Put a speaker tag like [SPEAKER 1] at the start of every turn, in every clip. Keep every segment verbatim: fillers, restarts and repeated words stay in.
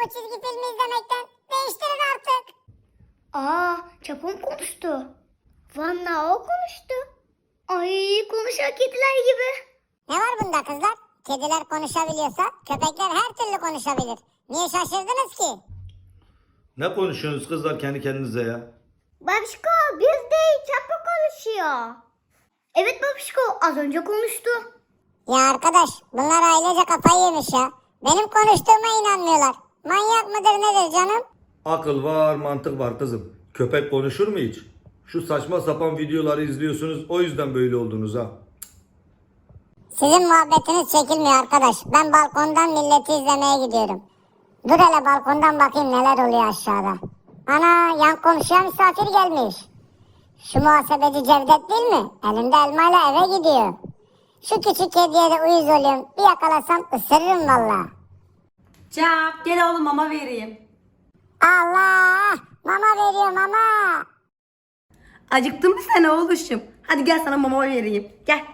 [SPEAKER 1] o çizgi filmi izlemekten. Değiştirin artık.
[SPEAKER 2] Aa, Çapo mu konuştu? Vallahi o konuştu. Ay, konuşan kediler gibi.
[SPEAKER 1] Ne var bunda kızlar? Kediler konuşabiliyorsa köpekler her türlü konuşabilir. Niye şaşırdınız ki?
[SPEAKER 3] Ne konuşuyorsunuz kızlar kendi kendinize ya?
[SPEAKER 2] Babişko, biz değil, Çapo konuşuyor. Evet Babişko, az önce konuştu.
[SPEAKER 1] Ya arkadaş bunlar ailece kafayı yemiş ya. Benim konuştuğuma inanmıyorlar. Manyak mıdır nedir canım?
[SPEAKER 3] Akıl var, mantık var kızım. Köpek konuşur mu hiç? Şu saçma sapan videoları izliyorsunuz, o yüzden böyle oldunuz ha.
[SPEAKER 1] Sizin muhabbetiniz çekilmiyor arkadaş. Ben balkondan milleti izlemeye gidiyorum. Dur hele balkondan bakayım neler oluyor aşağıda. Ana yan komşuya misafir gelmiş. Şu muhasebeci Cevdet değil mi? Elinde elmayla eve gidiyor. Şu küçük kediye de uyuz oluyorum. Bir yakalasam ısırırım valla.
[SPEAKER 4] Cap gel oğlum mama vereyim.
[SPEAKER 1] Allah! Mama veriyor mama.
[SPEAKER 4] Acıktın mı sen oğluşum? Hadi gel sana mama vereyim. Gel.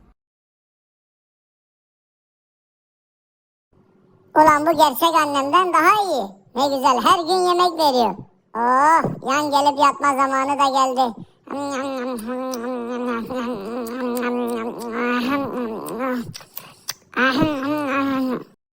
[SPEAKER 1] Ulan bu gerçek annemden daha iyi. Ne güzel her gün yemek veriyor. Oh yan gelip yatma zamanı da geldi.